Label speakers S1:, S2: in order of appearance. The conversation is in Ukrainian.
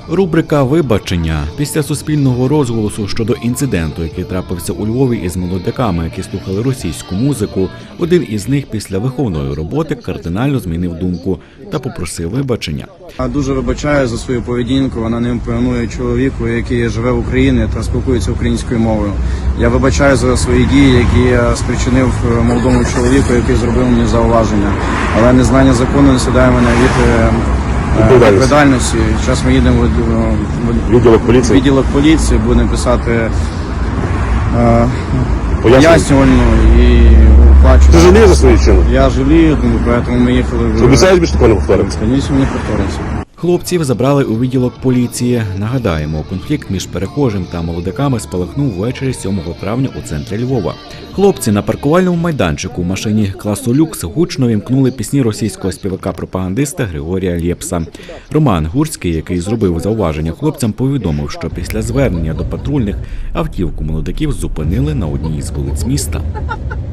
S1: Рубрика «Вибачення». Після суспільного розголосу щодо інциденту, який трапився у Львові із молодиками, які слухали російську музику, один із них після виховної роботи кардинально змінив думку та попросив вибачення.
S2: Я дуже вибачаю за свою поведінку, вона не імпонує чоловіку, який живе в Україні та спілкується українською мовою. Я вибачаю за свої дії, які я спричинив молодому чоловіку, який зробив мені зауваження. Але незнання закону не сідає мене від відповідальності. Зараз ми їдемо в відділок поліції, будемо писати пояснювальну і оплачувати.
S3: Ти жалієш за свої вчинки?
S2: Я жалію, тому ми їхали.
S3: Обіцяєш більше такого не повториться?
S2: Звісно, не повториться.
S1: Хлопців забрали у відділок поліції. Нагадаємо, конфлікт між перехожим та молодиками спалахнув ввечері 7 травня у центрі Львова. Хлопці на паркувальному майданчику в машині класу люкс гучно вімкнули пісні російського співака-пропагандиста Григорія Лєпса. Роман Гурський, який зробив зауваження хлопцям, повідомив, що після звернення до патрульних автівку молодиків зупинили на одній із вулиць міста.